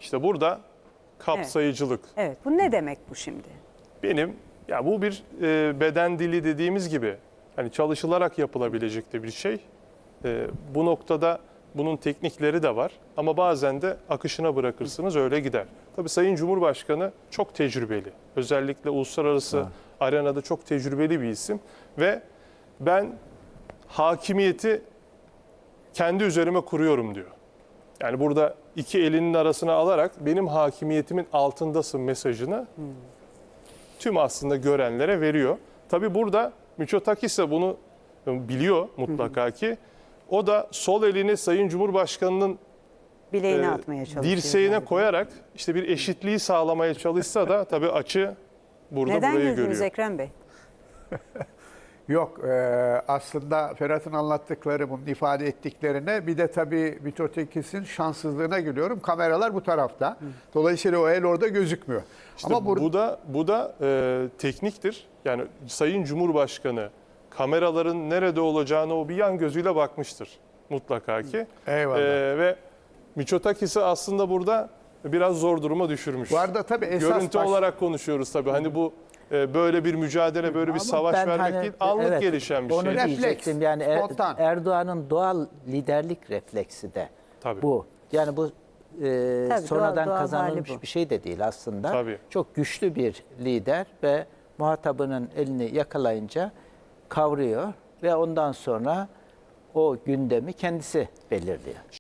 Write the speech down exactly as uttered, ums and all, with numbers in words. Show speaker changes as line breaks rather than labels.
İşte burada kapsayıcılık.
Evet. evet. Bu ne demek bu şimdi?
Benim ya bu bir e, beden dili dediğimiz gibi hani çalışılarak yapılabilecek de bir şey. E, bu noktada bunun teknikleri de var ama bazen de akışına bırakırsınız öyle gider. Tabii Sayın Cumhurbaşkanı çok tecrübeli. Özellikle uluslararası ha. arenada çok tecrübeli bir isim ve ben hakimiyeti kendi üzerime kuruyorum diyor. Yani burada iki elinin arasına alarak benim hakimiyetimin altındasın mesajını hmm. tüm aslında görenlere veriyor. Tabii burada Mitsotakis de bunu biliyor mutlaka ki. O da sol elini Sayın Cumhurbaşkanı'nın
bileğine e, atmaya çalışıyor.
Dirseğine
galiba.
koyarak işte bir eşitliği sağlamaya çalışsa da tabii açı burada
Neden
burayı
güldünüz
görüyor.
Ekrem Bey?
Yok, e, aslında Ferhat'ın anlattıkları, bunun ifade ettiklerine bir de tabii Mitsotakis'in şanssızlığına gülüyorum. Kameralar bu tarafta. Hı. Dolayısıyla o el orada gözükmüyor.
İşte Ama bu, bu da bu da e, tekniktir. Yani Sayın Cumhurbaşkanı kameraların nerede olacağını o bir yan gözüyle bakmıştır mutlaka ki.
Eyvallah. E,
ve Mitsotakis'i aslında burada biraz zor duruma düşürmüş.
Bu arada tabii esas
görüntü
baş...
olarak konuşuyoruz tabii. Hani bu böyle bir mücadele, böyle bir
Ama
savaş vermek
hani,
değil, anlık
evet,
gelişen bir
onu
şey.
Refleks,
diyecektim. Yani er,
spontan.
Erdoğan'ın doğal liderlik refleksi de
Tabii.
bu. Yani bu e,
Tabii,
sonradan
doğal, doğal
kazanılmış
hali bu.
bir şey de değil aslında.
Tabii.
Çok güçlü bir lider ve muhatabının elini yakalayınca kavruyor ve ondan sonra o gündemi kendisi belirliyor.